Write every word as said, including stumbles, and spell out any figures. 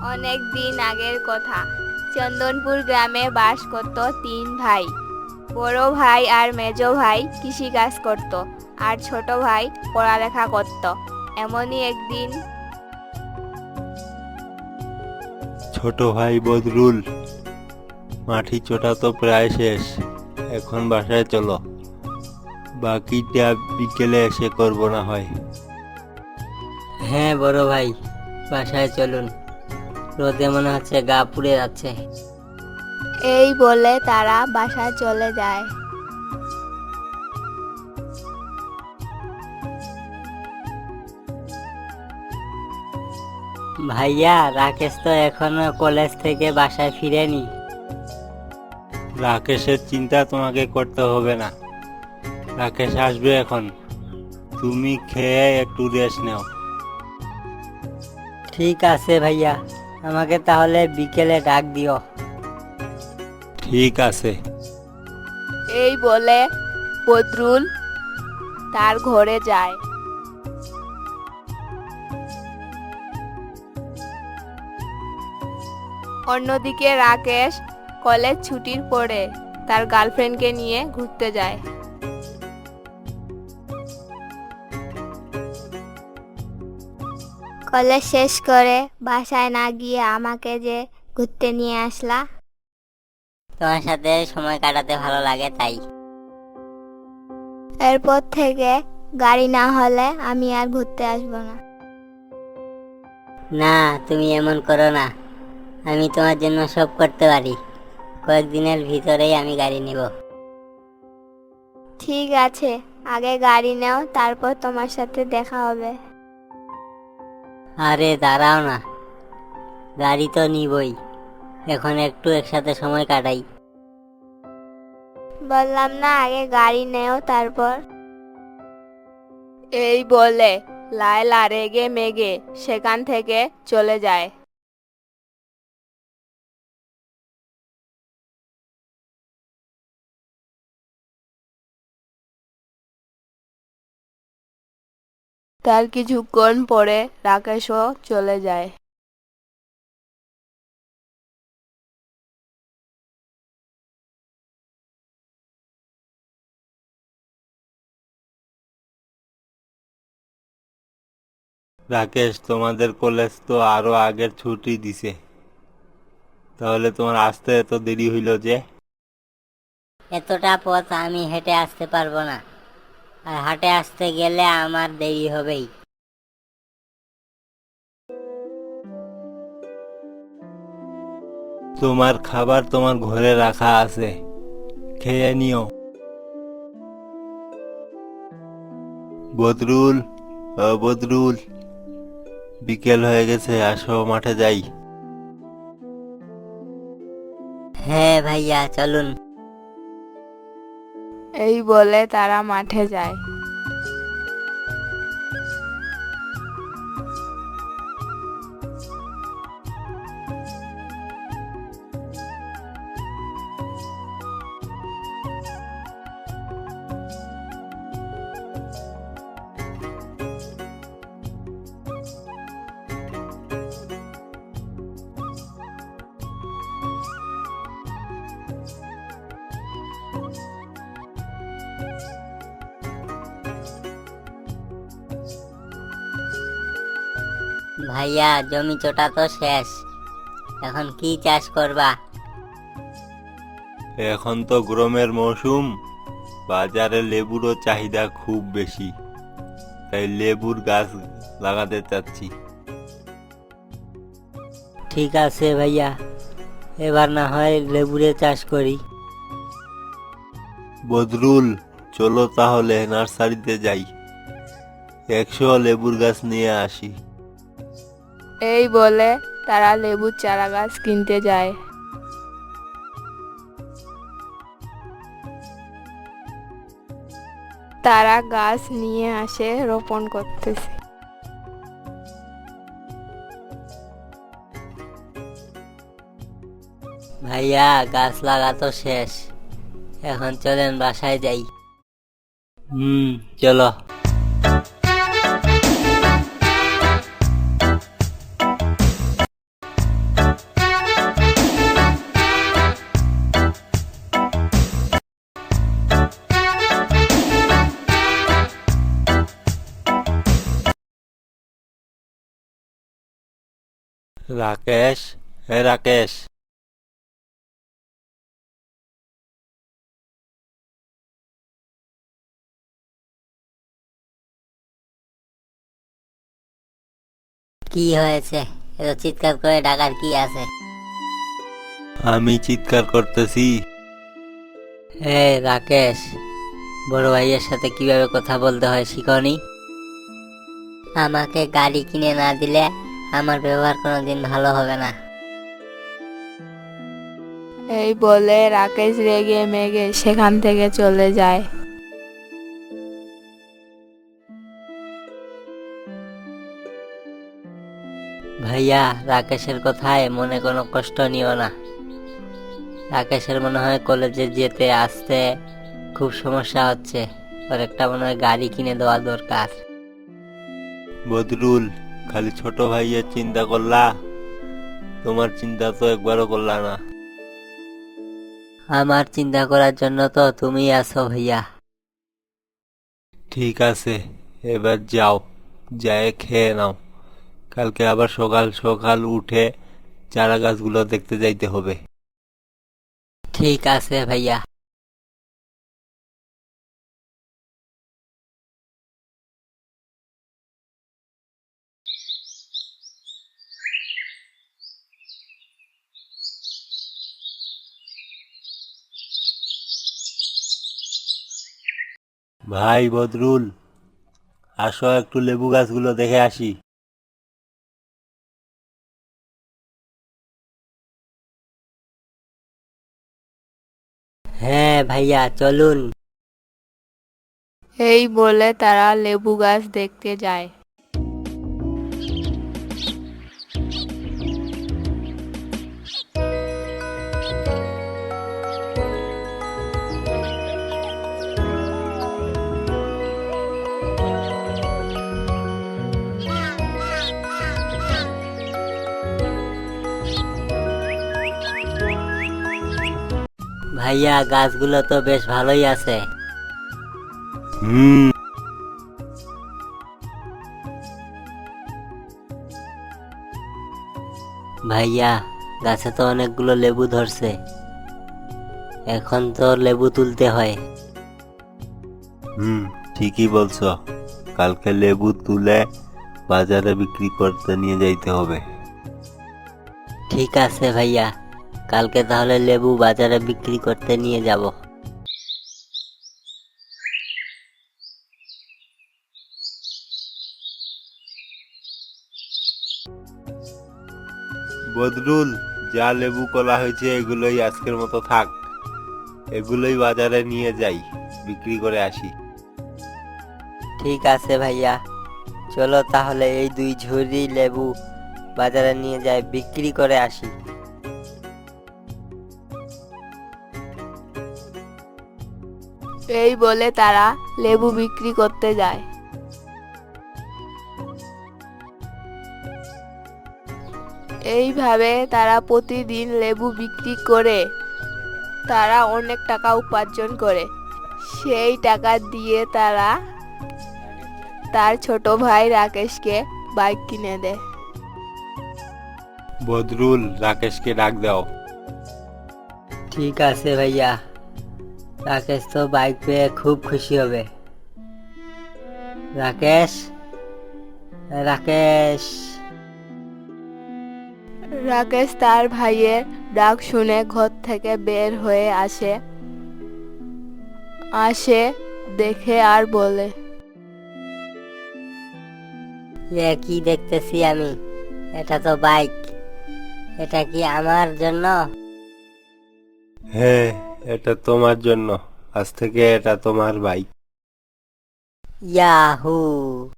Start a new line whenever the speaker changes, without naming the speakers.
অনেক দিন আগের কথা। চন্দনপুর গ্রামে বাস করত তিন ভাই। বড় ভাই আর মেজো ভাই কৃষিকাজ করত, আর ছোট ভাই পড়ালেখা করত। এমনই একদিন
ছোট ভাই বদরুল, মাটি চোটা তো প্রায় শেষ, এখন বাসায় চলো, বাকিটা বিকেলে এসে করবো না হয়।
হ্যাঁ বড় ভাই, বাসায় চলুন, রোদে মনে হচ্ছে গা পুড়ে যাচ্ছে।
এই বলে তারা বাসায় চলে যায়।
ভাইয়া, রাকেশ তো এখনো কলেজ থেকে বাসায় ফিরেনি।
রাকেশের চিন্তা তোমাকে করতে হবে না, রাকেশ আসবে এখন, তুমি খেয়ে একটু রেস্ট নাও।
ঠিক আছে ভাইয়া, আমাকে তাহলে বিকেলে ডাক দিও।
ঠিক আছে।
এই বলে বদরুল তার ঘরে যায়। অন্যদিকে রাকেশ কলেজ ছুটির পরে তার গার্লফ্রেন্ডকে নিয়ে ঘুরতে যায়।
কলেজ শেষ করে বাসায় না গিয়ে আমাকে যে ঘুরতে নিয়ে আসলা।
তোমার সাথে সময় কাটাতে ভালো লাগে তাই।
এরপর থেকে গাড়ি না হলে আমি আর ঘুরতে আসবো না।
না, তুমি এমন করো না, আমি তোমার জন্য সব করতে পারি। কয়েকদিনের ভিতরেই আমি গাড়ি নিব।
ঠিক আছে, আগে গাড়ি নাও, তারপর তোমার সাথে দেখা হবে।
আরে দাঁড়াও না, গাড়ি তো নিবই, এখন একটু একসাথে সময় কাটাই।
বললাম না আগে গাড়ি নেও তারপর।
এই বলে লায়লা রেগে মেগে সেখান থেকে চলে যায়। তার কিছুক্ষণ পরে রাকেশও চলে যায়।
রাকেশ, তোমাদের কলেজ তো আরো আগের ছুটি দিছে, তাহলে তোমার আসতে এত দেরি হইল যে?
এতটা পথ আমি হেঁটে আসতে পারবো না, আর হাঁটে আসতে গেলে আমার দেরি হবেই।
তোমার খাবার তোমার ঘরে রাখা আছে, খেয়ে নিও। বদরুল, ও বদরুল, বিকেল হয়ে গেছে, আসো মাঠে যাই।
হ্যাঁ ভাইয়া, চলুন।
এই বলে তারা মাঠে যায়।
ভাইয়া, জমি চোটা তো শেষ, এখন কি চাষ করবা?
এখন তো গরমের মৌসুম, বাজারে লেবুরও চাহিদা খুব বেশি, তাই লেবুর গাছ লাগাতে চাচ্ছি।
ঠিক আছে ভাইয়া, এবার না হয় লেবুরে চাষ করি।
বদরুল, চলো তাহলে নার্সারিতে যাই, একশো লেবুর গাছ নিয়ে আসি।
এই বলে তারা লেবুর চারা গাছ কিনতে যায়। তারা গাছ নিয়ে আসে, রোপণ করতেছে।
ভাইয়া, গাছ লাগা তো শেষ, এখন চলেন বাসায় যাই। হুম, চলো।
রাকেশ, হে রাকেশ।
কি হয়েছে? এত চিৎকার করে ডাকার কি আছে?
আমি চিৎকার করতেছি।
হে রাকেশ, বড় ভাইয়ের সাথে কিভাবে কথা বলতে হয় শিখনি? আমাকে গাড়ি কিনে না দিলে আমার ব্যবহার কোনোদিন ভালো হবে না।
এই বলে রাকেশ রেগে মেগে সেখান থেকে চলে যায়।
ভাইয়া, রাকেশের কথায় মনে কোনো কষ্ট নিও না। রাকেশের মনে হয় কলেজে যেতে আসতে খুব সমস্যা হচ্ছে। ওর একটা মনে হয় গাড়ি কিনে দেওয়া দরকার।
বদরুল, খালি ছোট ভাইয়ের চিন্তা করলা, তোমার চিন্তা তো একবারও করলা না।
আমার চিন্তা করার জন্য তো তুমি আছো ভাইয়া।
ঠিক আছে, এবার যাও, যায় খেয়ে নাও। কালকে আবার সকাল সকাল উঠে চারা গাছগুলো দেখতে যাইতে হবে।
ঠিক আছে ভাইয়া।
ভাই বদরুল, আসো একটু লেবু গাছগুলো দেখে আসি।
হ্যাঁ ভাইয়া, চলুন।
এই বলে তারা লেবু গাছ দেখতে যায়।
ভাইয়া, গাছগুলো তো বেশ ভালোই আছে।
হুম।
ভাইয়া, গাছে তো অনেকগুলো লেবু ধরছে। এখন তো লেবু তুলতে হয়।
হুম, ঠিকই বলছো। কালকে লেবু তুলে বাজারে বিক্রি করতে নিয়ে যাইতে হবে।
ঠিক আছে ভাইয়া, কালকে তাহলে লেবু বাজারে বিক্রি করতে নিয়ে যাব।
বদরুল, যা লেবু কলা হয়েছে এগুলোই আজকের মতো থাক। এগুলোই বাজারে নিয়ে যাই, বিক্রি করে আসি।
ঠিক আছে ভাইয়া, চলো তাহলে এই দুই ঝুড়ি লেবু বাজারে নিয়ে যাই, বিক্রি করে আসি।
এই বলে তারা লেবু বিক্রি করতে যায়। এইভাবে তারা প্রতিদিন লেবু বিক্রি করে তারা অনেক টাকা উপার্জন করে। সেই টাকা দিয়ে তারা তার ছোট ভাই রাকেশকে বাইক কিনে দেয়।
বদরুল, রাকেশকে ডাক দাও।
ঠিক আছে ভাইয়া, রাকেশ তো বাইক পেয়ে খুব খুশি হবে। রাকেশ, রাকেশ।
রাকেশ তার ভাইয়ের ডাক শুনে ঘর থেকে বের হয়ে আসে আসে দেখে আর বলে,
এ কি দেখতেছি আমি? এটা তো বাইক। এটা কি আমার জন্য?
হ্যাঁ, এটা তোমার জন্য। আজ থেকে এটা তোমার বাইক।
ইয়াহু!